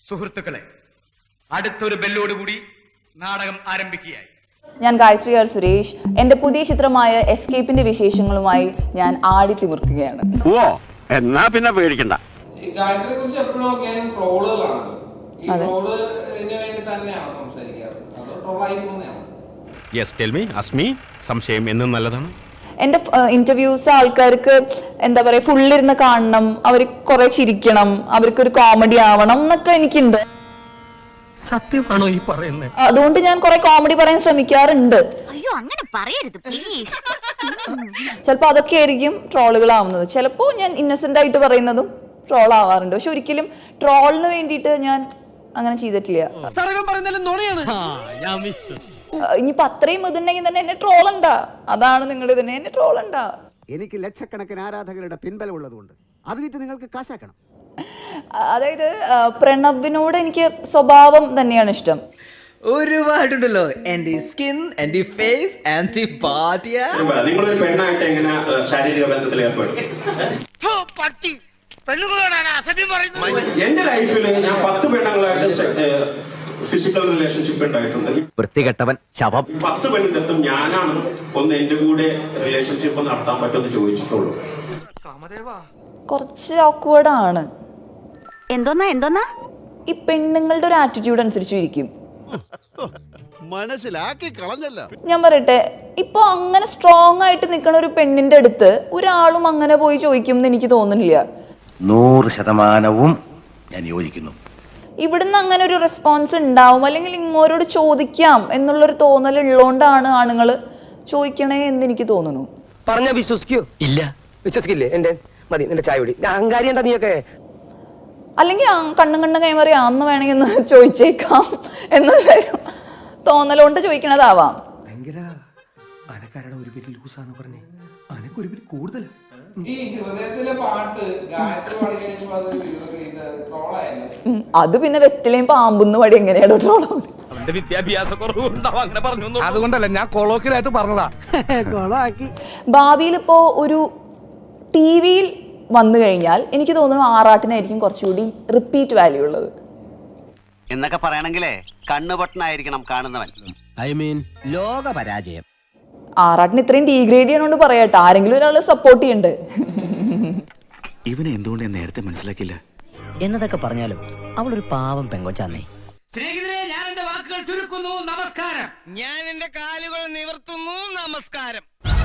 സുഹൃത്തുക്കളെ, അടുത്തൊരു ബെല്ലോടുകൂടി നാടകം ആരംഭിക്കുകയായി. ഞാൻ ഗായത്രി ആർ സുരേഷ്. എന്റെ പുതിയ ചിത്രമായ എസ്കേപ്പിന്റെ വിശേഷങ്ങളുമായി ഞാൻ ആടിത്തിമിർക്കുകയാണ്. ഓ, എന്നാ പിന്നെ പേടിക്കണ്ട. ഗായത്രിയെ കുറിച്ച് എപ്പോഴും നോക്കിയാലും ട്രോളുകളാണല്ലോ. ഈ ട്രോളിന് വേണ്ടി തന്നെയാണോ സംസാരിക്കാറ്, അതോ ട്രോളായി പോകുന്നതാണോ? Yes, tell me, ask me. സംശയം എന്നും നല്ലതാണ്. എന്റെ ഇന്റർവ്യൂസ് ആൾക്കാർക്ക് എന്താ പറയാ, ഫുള്ളിരുന്ന് കാണണം, അവർ കുറെ ചിരിക്കണം, അവർക്കൊരു കോമഡി ആവണം എന്നൊക്കെ എനിക്കുണ്ട്. സത്യമാണോ ഈ പറയുന്നത്? അതുകൊണ്ട് ഞാൻ കുറെ കോമഡി പറയാൻ ശ്രമിക്കാറുണ്ട്. അയ്യോ, അങ്ങനെ പറയരുത് പ്ലീസ്. ചിലപ്പോ അതൊക്കെ ആയിരിക്കും ട്രോളുകളാവുന്നത്. ചിലപ്പോ ഞാൻ ഇന്നസെന്റ് ആയിട്ട് പറയുന്നതും ട്രോൾ ആവാറുണ്ട്. പക്ഷെ ഒരിക്കലും ട്രോളിന് വേണ്ടിയിട്ട് ഞാൻ അങ്ങനെ ചെയ്തിട്ടില്ല. ഇനിയിപ്പോ അത്രയും ഇതുണ്ടെങ്കിൽ തന്നെ എന്നെ ട്രോളുണ്ടാ. അതാണ് നിങ്ങളുടെ തന്നെ, എന്നെ ട്രോളുണ്ടാ. എനിക്ക് ലക്ഷക്കണക്കിന് ആരാധകരുടെ പിൻബലം ഉള്ളതുകൊണ്ട് അത് വിറ്റ് നിങ്ങൾക്ക് കാശാക്കണം. അതായത് പ്രണവിനോട് എനിക്ക് സ്വഭാവം തന്നെയാണ് ഇഷ്ടം. ഒരുപാടുണ്ടല്ലോ, anti skin, anti face, anti body. നിങ്ങളൊരു പെണ്ണായിട്ട് എങ്ങനെ ശാരീരിക ബന്ധത്തിൽ ഏർപ്പെടും? എന്റെ ലൈഫിൽ ഞാൻ 10 പെണ്ണുങ്ങളായിട്ട് ഫിസിക്കൽ റിലേഷൻഷിപ്പ് ഉണ്ടായിട്ടുണ്ട്. വൃത്തികെട്ടവൻ ശവം. 10 പെണ്ണിന്റെ അടുത്തും ഞാനാണ് ഒന്ന് എന്റെ കൂടെ റിലേഷൻഷിപ്പ് നടത്താൻ പറ്റുമെന്ന് ചോദിച്ചിട്ടുള്ളൂ. കുറച്ച് ഓക്വേർഡ് ആണ്. എന്തോന്നാ ഈ പെണ്ണുങ്ങളുടെ ഒരു ആറ്റിറ്റ്യൂഡ് അനുസരിച്ച് ഇരിക്കും. മനസ്സിലാക്കി കളഞ്ഞല്ല. ഞാൻ പറയട്ടെ, ഇപ്പൊ അങ്ങനെ സ്ട്രോങ് ആയിട്ട് നിൽക്കുന്ന ഒരു പെണ്ണിന്റെ അടുത്ത് ഒരാളും അങ്ങനെ പോയി ചോദിക്കും എന്ന് എനിക്ക് തോന്നുന്നില്ല. 100% ഞാൻ യോജിക്കുന്നു. ഇവിടുന്ന് അങ്ങനെ ഒരു റെസ്പോൺസ് ഉണ്ടാവും, അല്ലെങ്കിൽ ഇങ്ങോരോട് ചോദിക്കാം എന്നുള്ളൊരു തോന്നൽ ഉള്ളതുകൊണ്ടാണ് ആണുങ്ങൾ ചോദിക്കണേ എന്ന് എനിക്ക് തോന്നുന്നു. പറഞ്ഞ വിശ്വസിക്കോ? ഇല്ല, വിശ്വസിക്കില്ലേ? എന്റെ മതി, നിന്റെ ചായ കുടി. അഹങ്കാരി എന്താ നീയൊക്കെ? അല്ലെങ്കിൽ കണ്ണും കൈമാറി അന്ന് വേണമെങ്കിൽ ഒന്ന് ചോദിച്ചേക്കാം എന്നുള്ളൊരു തോന്നലുകൊണ്ട് ചോദിക്കണതാവാം. ഈ ഹൃദയത്തിലെ പാട്ട് ഗായത്രി പാടി കഴിയുമ്പോൾ അതൊരു ട്രോളായല്ലോ. അത് പിന്നെ വെറ്റിലേയും പാമ്പുന്ന് പാടി എങ്ങനെയാണോ ട്രോളാവുന്നത്? അതുകൊണ്ടല്ല, ഞാൻ കൊളോക്കിലായിട്ട് പറഞ്ഞതാ. ഭാവിയിൽ ഇപ്പോ ഒരു TV-യിൽ വന്നു കഴിഞ്ഞാൽ എനിക്ക് തോന്നുന്നു ആറാട്ടിനായിരിക്കും കുറച്ചുകൂടി റിപ്പീറ്റ് വാല്യൂ ഉള്ളത്. എന്നൊക്കെ പറയണെങ്കിലേ കണ്ണുപൊട്ടനായിരിക്കണം കാണുന്നവൻ. ഐ മീൻ ലോക പരാജയം. ആറാട്ടിന് ഇത്രയും ഡീഗ്രേഡ് ചെയ്യണോണ്ട് പറയട്ടെ, ആരെങ്കിലും ഒരാള് സപ്പോർട്ട് ചെയ്യണ്ടേ? ഇവനെ എന്തുകൊണ്ട് ഞാൻ നേരത്തെ മനസ്സിലാക്കില്ല എന്നതൊക്കെ പറഞ്ഞാലും അവളൊരു പാവം പെങ്കൊച്ചാന്നേ. സ്നേഹിതരെ, ഞാൻ എന്റെ വാക്കുകൾ ചുരുക്കുന്നു. നമസ്കാരം. ഞാൻ എന്റെ കാലുകൾ നിവർത്തുന്നു. നമസ്കാരം.